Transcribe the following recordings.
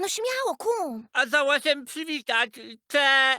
No śmiało, kum. A zdoła się przywitać. Cze...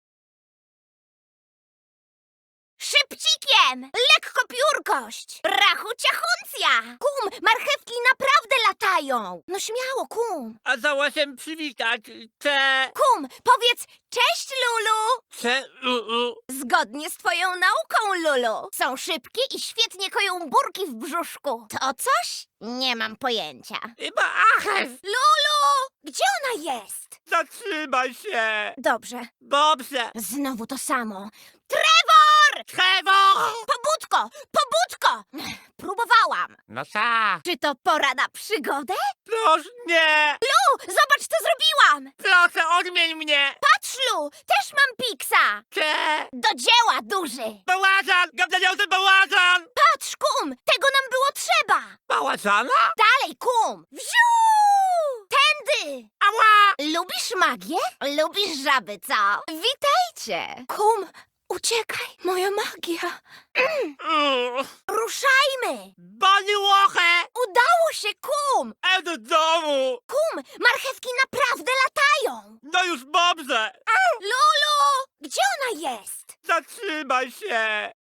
Szybcikiem! Lekko piórkość! Rachu ciachuncja! Kum, marchewki naprawdę latają! No śmiało, kum. A zdoła się przywitać. Cze... Kum, powiedz cześć, Lulu! Cze... Zgodnie z twoją nauką, Lulu. Są szybkie i świetnie koją burki w brzuszku. To coś? Nie mam pojęcia. Chyba aches. Lulu! Gdzie ona jest? Zatrzymaj się. Dobrze. Dobrze. Znowu to samo. Trevor! Trevor! Pobudko! Pobudko! Próbowałam. No tak. Czy to pora na przygodę? Proszę, nie. Lu, zobacz, co zrobiłam! Proszę, odmień mnie. Patrz, Lu, też mam piksa! Cze... Do dzieła, duży! Bałażan! Gawdaniący bałażan! Patrz, kum, tego nam było trzeba! Bałażana? Dalej, kum! Wziu! Tędy! Ała! Lubisz magię? Lubisz żaby, co? Witajcie! Kum, uciekaj, moja magia! Ruszajmy! Bani łochę! Udało się, kum! Do domu! Kum, marchewki naprawdę latają! No już dobrze! Lulu! Gdzie ona jest? Zatrzymaj się!